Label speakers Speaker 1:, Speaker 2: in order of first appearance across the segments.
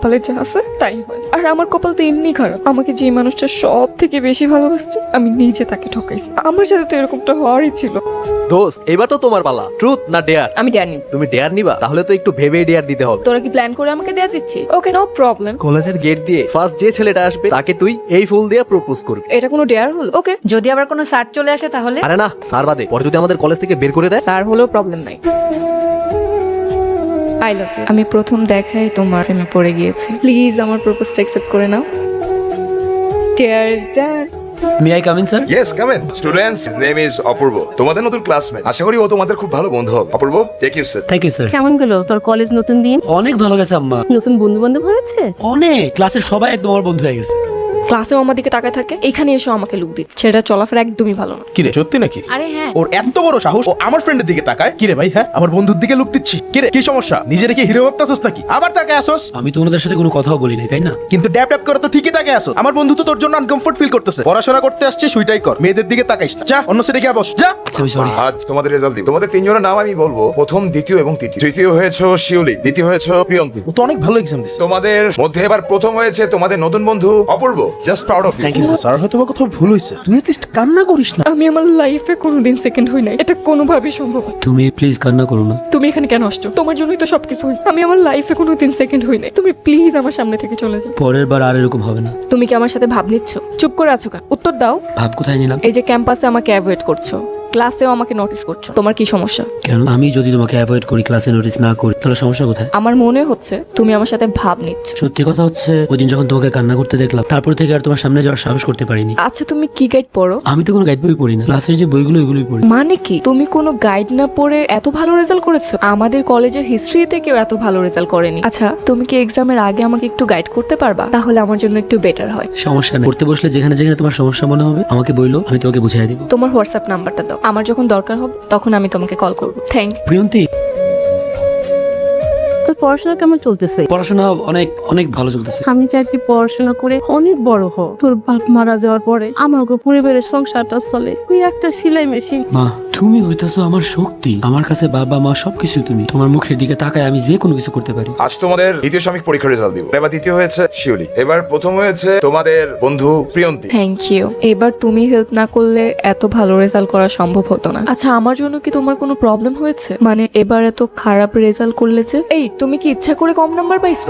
Speaker 1: কপালে যা আছে তাই হয়। আর আমার কপাল তো এমনি খারাপ, আমাকে যে মানুষটা সব থেকে বেশি ভালোবাসছে আমি নিজে তাকে ঠকাইছি। আমার সাথে তো এরকমটা হওয়ারই ছিল।
Speaker 2: দোস্ত এবার তো তোমার পালা, ট্রুথ না ডেয়ার?
Speaker 1: আমি জানি
Speaker 2: তুমি ডেয়ার নিবা, তাহলে তো একটু ভেবে ডেয়ার দিতে হবে।
Speaker 1: তোরা কি প্ল্যান করে আমাকে দেয়া দিচ্ছি? Okay, no problem.
Speaker 2: কলেজের গেট দিয়ে ফার্স্ট যে ছেলেটা আসবে তাকে তুই এই ফুল দিয়ে প্রপোজ করবি।
Speaker 1: এটা কোনো ডেয়ার হলো? ওকে।
Speaker 3: যদি আবার কোনো স্যার চলে আসে তাহলে?
Speaker 2: আরে না, স্যার বাদে, পরে যদি আমাদের কলেজ থেকে বের করে দেয়।
Speaker 1: স্যার হলেও প্রবলেম নাই। I love you. আমি প্রথম দেখাই তোমার প্রেমে পড়ে গিয়েছি। প্লিজ আমার প্রপোজটা অ্যাকসেপ্ট করে নাও। Dare done.
Speaker 4: May I come in sir?
Speaker 5: Yes, come in. Students, his name is Apurba. তোমাদের নতুন ক্লাসমেট। আশা করি ও তোমাদের খুব ভালো বন্ধু হবে। Apurba, take you seat.
Speaker 4: Thank you sir.
Speaker 6: কেমন গেল তোর কলেজ নতুন দিন?
Speaker 4: অনেক ভালো গেছে আম্মা।
Speaker 6: নতুন বন্ধু বান্ধব হয়েছে?
Speaker 4: অনেক, ক্লাসের সবাই একদম আমার বন্ধু হয়ে গেছে।
Speaker 1: ক্লাসেও আমার দিকে তাকায় থাকে, এখানে এসে আমাকে লুক দিচ্ছে। সেটা চলাফেরা একদমই ভালো না।
Speaker 7: কিরে সত্যি নাকি?
Speaker 3: আরে হ্যাঁ,
Speaker 7: ওর এত বড় সাহস, ও আমার ফ্রেন্ডের দিকে তাকায়। কিরে ভাই, হ্যাঁ আমার বন্ধুর দিকে লুক দিচ্ছি। কিরে কি সমস্যা? নিজের কি হিরো ভাবতাছস নাকি? আবার তাকায় আসোস?
Speaker 4: আমি তো ওনাদের সাথে কোনো কথাও বলি নাই, তাই না?
Speaker 7: কিন্তু ড্যাপ ড্যাপ করে তো ঠিকই তাকায় আসো। আমার বন্ধু তো তোর জন্য আনকমফোর্ট ফিল করতেছে। পড়াশোনা করতে আসছে সুইটাই কর, মেয়েদের দিকে তাকাইস না। যা অন্য সিটে গিয়ে বস, যা।
Speaker 4: আচ্ছা আমি সরি।
Speaker 5: আজ তোমাদের রেজাল্ট দিব। তোমাদের তিনজনের নাম আমি বলবো, প্রথম, দ্বিতীয় এবং তৃতীয়। তৃতীয় হয়েছে শিউলি, দ্বিতীয় হয়েছে প্রিয়ঙ্কি।
Speaker 7: ও তো অনেক ভালো এক্সাম দিছে।
Speaker 5: তোমাদের মধ্যে এবার প্রথম হয়েছে তোমাদের নতুন বন্ধু Apurba. Just proud of you.
Speaker 4: Thank you sir.
Speaker 7: Sir হয়তো বা কোথাও ভুল হয়েছে, তুই এটলিস্ট কান্না করিস না।
Speaker 1: আমি আমার লাইফে কোনোদিন সেকেন্ড হই নাই, এটা কোনোভাবেই সম্ভব না।
Speaker 4: তুমি প্লিজ কান্না করো না।
Speaker 1: তুমি এখানে কেন আসছো? তোমার জন্যই তো সবকিছু হয়েছে। আমি আমার লাইফে কোনোদিন সেকেন্ড হই নাই। তুমি প্লিজ আমার সামনে থেকে চলে যাও।
Speaker 4: পরের বার আর এরকম হবে না।
Speaker 1: তুমি কি আমার সাথে ভাব নিচ্ছ? চুপ করে আছো কেন? উত্তর দাও।
Speaker 4: ভাব কোথায় নিলাম?
Speaker 1: এই যে ক্যাম্পাসে আমাকে অ্যাভয়েড করছো, ক্লাসেও আমাকে নোটিস করছো, তোমার কি সমস্যা?
Speaker 4: কেন? আমি যদি তোমাকে অ্যাভয়েড করি, ক্লাসে নোটিস না করি, তাহলে সমস্যা কোথায়?
Speaker 1: আমার মনে হচ্ছে তুমি আমার সাথে ভাব নিচ্ছ।
Speaker 4: সত্যি কথা হচ্ছে, ওই দিন যখন তোমাকে কান্না করতে দেখলাম, তারপর থেকে আর তোমার সামনে যাওয়ার সাহস করতে পারিনি।
Speaker 1: আচ্ছা তুমি কি গাইড পড়ো?
Speaker 4: আমি তো কোনো গাইড বই পড়ি না, ক্লাসের যে বইগুলো এগুলোই পড়ি।
Speaker 1: মানে কি তুমি কোনো গাইড না পড়ে এত ভালো রেজাল্ট করেছো? আমাদের কলেজের হিস্ট্রিতে কেউ এত ভালো রেজাল্ট করেনি। আচ্ছা তুমি কি এক্সামের আগে আমাকে একটু গাইড করতে পারবা? তাহলে আমার জন্য একটু বেটার হয়।
Speaker 4: সমস্যা নেই, পড়তে বসলে যেখানে যেখানে তোমার সমস্যা মনে হবে আমাকে বইলো, আমি তোমাকে বুঝিয়ে দিব।
Speaker 1: তোমার হোয়াটসঅ্যাপ নাম্বারটা দাও, আমার যখন দরকার হবে তখন আমি তোমাকে কল করবো। থ্যাংক।
Speaker 4: প্রিয়ন্তি,
Speaker 6: তোর পড়াশোনা কেমন চলতেছে?
Speaker 4: পড়াশোনা অনেক অনেক ভালো চলতেছে।
Speaker 6: আমি চাই তুই পড়াশোনা করে অনেক বড় হ। তোর বাপ মারা যাওয়ার পরে আমাকে পরিবারের সংসারটা চলে। তুই একটা সেলাই মেশিন।
Speaker 4: মা, তুমি হইতাছো আমার শক্তি। আমার কাছে বাবা মা সবকিছু তুমি। তোমার মুখের দিকে তাকায় আমি যে কোনো কিছু করতে পারি।
Speaker 5: আজ তোমাদের দ্বিতীয় সাময়িক পরীক্ষার রেজাল্ট দিব। এবার দ্বিতীয় হয়েছে শিউলি, এবার প্রথম হয়েছে তোমাদের বন্ধু প্রিয়ন্তি।
Speaker 1: Thank you. এবার তুমি হেল্প না করলে এত ভালো রেজাল্ট করা সম্ভব হতো না। আচ্ছা আমার জন্য কি তোমার কোনো প্রবলেম হয়েছে? মানে এবার এত খারাপ রেজাল্ট করলে যে? এই তুমি কি ইচ্ছা করে কম নাম্বার পাইছো?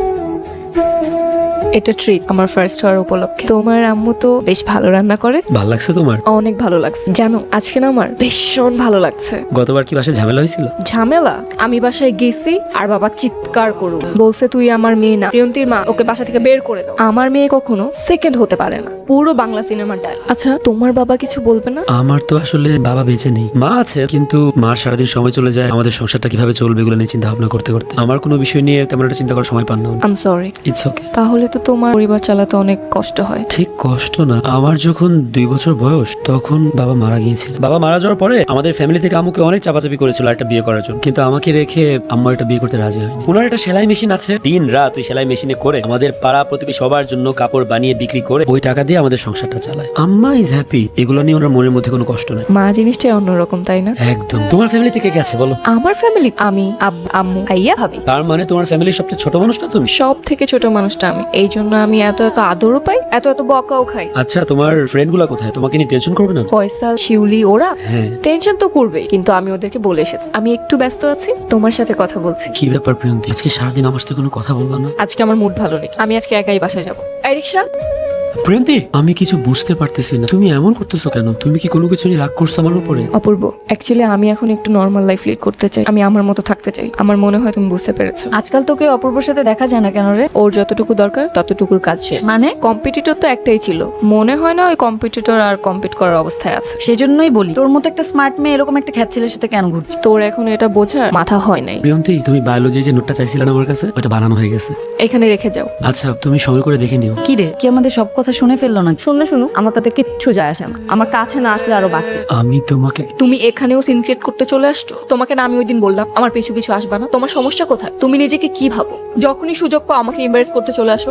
Speaker 1: এটা ট্রিট আমার ফার্স্ট হওয়ার উপলক্ষে। তোমার আম্মু তো বেশ ভালো রান্না করে।
Speaker 4: ভালো লাগছে তোমার?
Speaker 1: অনেক ভালো লাগছে। জানো আজকে না আমার ভীষণ ভালো লাগছে।
Speaker 4: গতবার কি বাসায় ঝামেলা হয়েছিল?
Speaker 1: ঝামেলা? আমি বাসায় গেছি আর বাবা চিৎকার করু বলছে তুই আমার মেয়ে না। প্রিয়ন্তীর মা ওকে বাসা থেকে বের করে দাও। আমার মেয়ে কখনো সেকেন্ড হতে পারে না, পুরো বাংলা সিনেমার ডাল। আচ্ছা তোমার বাবা কিছু বলবে না?
Speaker 4: আমার তো আসলে বাবা বেঁচে নেই, মা আছে, কিন্তু মার সারাদিন সময় চলে যায় আমাদের সংসারটা কিভাবে চলবে এগুলো নিয়ে চিন্তা ভাবনা করতে করতে। আমার কোনো বিষয় নিয়ে তেমন একটা চিন্তা করার সময় পান না।
Speaker 1: I am sorry.
Speaker 4: It's okay.
Speaker 1: তাহলে তো তোমার পরিবার চালাতে অনেক কষ্ট হয়।
Speaker 4: ঠিক কষ্ট না, আমার যখন 2 বছর বয়স তখন বাবা মারা গিয়েছিল। বাবা মারা যাওয়ার পরে আমাদের ফ্যামিলি থেকে আম্মুকে অনেক চাপাচাপি করেছিল একটা বিয়ে করার জন্য, কিন্তু আমাকে রেখে আম্মু একটা বিয়ে করতে রাজি হয়নি। ওনার একটা সেলাই মেশিন আছে, দিন রাত ওই সেলাই মেশিনে করে আমাদের পাড়া প্রতিবেশী সবার জন্য কাপড় বানিয়ে বিক্রি করে ওই টাকা দিয়ে আমাদের সংসারটা চালায়। আম্মা ইজ হ্যাপি, এগুলো নিয়ে ওনার মনের মধ্যে কোনো কষ্ট নাই।
Speaker 1: মা জিনিসটাই অন্যরকম, তাই না?
Speaker 4: একদম। তোমার ফ্যামিলি থেকে কে আছে বলো?
Speaker 1: আমার ফ্যামিলি আমি, আম্মু, ভাইয়া, ভাবি।
Speaker 4: তার মানে তোমার ফ্যামিলির সবচেয়ে ছোট মানুষটা তুমি?
Speaker 1: সব থেকে ছোট মানুষটা আমি, এই জন্য আমি এত এত আদরও পাই, এত এত বকাও খাই।
Speaker 4: আচ্ছা তোমার ফ্রেন্ড গুলা কোথায়? তোমাকে নিয়ে টেনশন করবে না?
Speaker 1: ফয়সাল, শিউলি ওরা
Speaker 4: হ্যাঁ।
Speaker 1: টেনশন তো করবে, কিন্তু আমি ওদেরকে বলে এসেছি আমি একটু ব্যস্ত আছি, তোমার সাথে কথা বলছি।
Speaker 4: কি ব্যাপার প্রিয়ন্তি, আজকে সারাদিন আমার সাথে কোনো কথা বলবা না?
Speaker 1: আজকে আমার মুড ভালো নেই, আমি আজকে একাই বাসায় যাবো। এই রিক্সা।
Speaker 4: প্রিয়ন্তি, আমি কিছু বুঝতে পারতেছি না, তুমি এমন করতেছো কেন? তুমি কি কোনো কিছু নিয়ে রাগ করছো আমার উপরে?
Speaker 1: অপূর্ব, অ্যাকচুয়ালি আমি এখন একটু নর্মাল লাইফ লিড করতে চাই, আমি আমার মতো থাকতে চাই। আমার মনে হয় তুমি বুঝতে পেরেছো।
Speaker 3: আজকাল তোকে অপূর্বর সাথে দেখা যায় না কেন রে?
Speaker 1: ওর যতটুকু দরকার ততটুকুর কাজ সে।
Speaker 3: মানে?
Speaker 1: কম্পিটিটর তো একটাই ছিল, মনে হয় না ওই কম্পিটিটর আর কম্পিট করার অবস্থায় আছে।
Speaker 3: সেজন্যই বলি তোর মতো একটা স্মার্ট মেয়ে এরকম একটা খ্যাত ছেলের সাথে কেন ঘুরছিস?
Speaker 1: তোর এখন এটা বোঝার মাথা হয় নাই।
Speaker 4: প্রিয়ন্তি, তুমি বায়োলজি যে নোটটা চাইছিলে না আমার কাছে, ওটা বানানো হয়ে গেছে।
Speaker 1: এখানে রেখে যাও।
Speaker 4: আচ্ছা তুমি সময় করে দেখে নিও।
Speaker 3: কি রে, কি আমাদের সব কথা শুনে ফেললো না?
Speaker 6: শুনলে শুনুক, আমার তাতে কিচ্ছু যায় আসে না। আমার কাছে না আসলে আরো বাঁচে।
Speaker 4: আমি তোমাকে
Speaker 1: তুমি এখানেও সিন ক্রিয়েট করতে চলে আসছো। তোমাকে না আমি ওই দিন বললাম আমার পিছু পিছু আসবা না? তোমার সমস্যা কোথায়? তুমি নিজেকে কি ভাবো? যখনই সুযোগ পাও আমাকে এমবারেস করতে চলে আসো।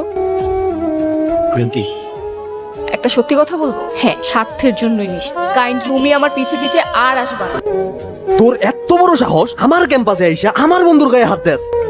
Speaker 4: প্রিয়ন্তি,
Speaker 1: একটা সত্যি কথা বলবো, হ্যাঁ স্বার্থের জন্যই মিশতে। কাইন্ড তুমি আমার পিছে পিছে আর আসবা না।
Speaker 2: তোর এত বড় সাহস আমার ক্যাম্পাসে আইসা আমার বন্ধুর গায়ে হাত দেস?